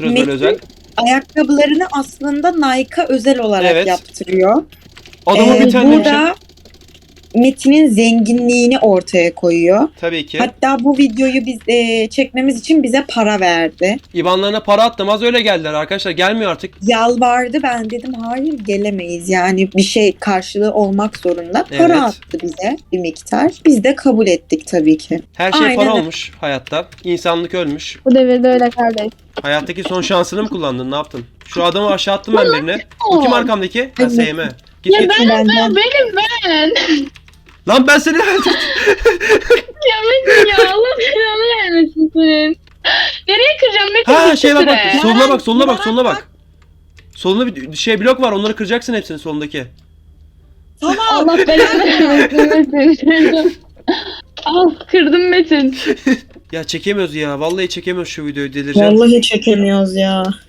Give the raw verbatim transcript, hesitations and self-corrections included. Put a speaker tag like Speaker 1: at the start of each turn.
Speaker 1: yaptırıyoruz böyle
Speaker 2: Metin
Speaker 1: özel.
Speaker 2: ayakkabılarını aslında Nike'a özel olarak
Speaker 1: Evet.
Speaker 2: yaptırıyor.
Speaker 1: Adamın
Speaker 2: Ee,
Speaker 1: bir tane demişim.
Speaker 2: burada Metin'in zenginliğini ortaya koyuyor.
Speaker 1: Tabii ki.
Speaker 2: Hatta bu videoyu biz e, çekmemiz için bize para verdi.
Speaker 1: İbanlarına para attım, az öyle geldiler arkadaşlar, gelmiyor artık.
Speaker 2: Yalvardı, ben dedim hayır gelemeyiz, yani bir şey karşılığı olmak zorunda. Para
Speaker 1: Evet.
Speaker 2: attı bize bir miktar. Biz de kabul ettik tabii ki.
Speaker 1: Her şey
Speaker 2: Aynen
Speaker 1: para
Speaker 2: öyle.
Speaker 1: olmuş hayatta. İnsanlık ölmüş.
Speaker 3: Bu devirde öyle kardeş.
Speaker 1: Hayattaki son şansını mı kullandın? Ne yaptın? Şu adamı aşağı attım ben birine. Bu kim arkamdaki? Ha,
Speaker 2: Evet.
Speaker 1: S M. Git
Speaker 3: Ya
Speaker 1: git.
Speaker 3: ben,
Speaker 2: Benden-
Speaker 3: ben benim ben.
Speaker 1: Lan ben seni öldürdüm.
Speaker 3: Ya Metin ya Allah belanı vermesin senin. Nereye kıracağım Metin?
Speaker 1: Ha
Speaker 3: Git
Speaker 1: şey bak bak.
Speaker 3: şuraya.
Speaker 1: Soluna bak, soluna bak,
Speaker 2: Bana
Speaker 1: soluna bak. Solunda bir şey blok var. Onları kıracaksın hepsini solundaki.
Speaker 2: Tamam.
Speaker 3: Allah belanı vermesin Metin. Al kırdım Metin.
Speaker 1: Ya çekemiyoruz ya. Vallahi çekemiyoruz şu videoyu, delireceğim.
Speaker 2: Vallahi çekemiyoruz ya.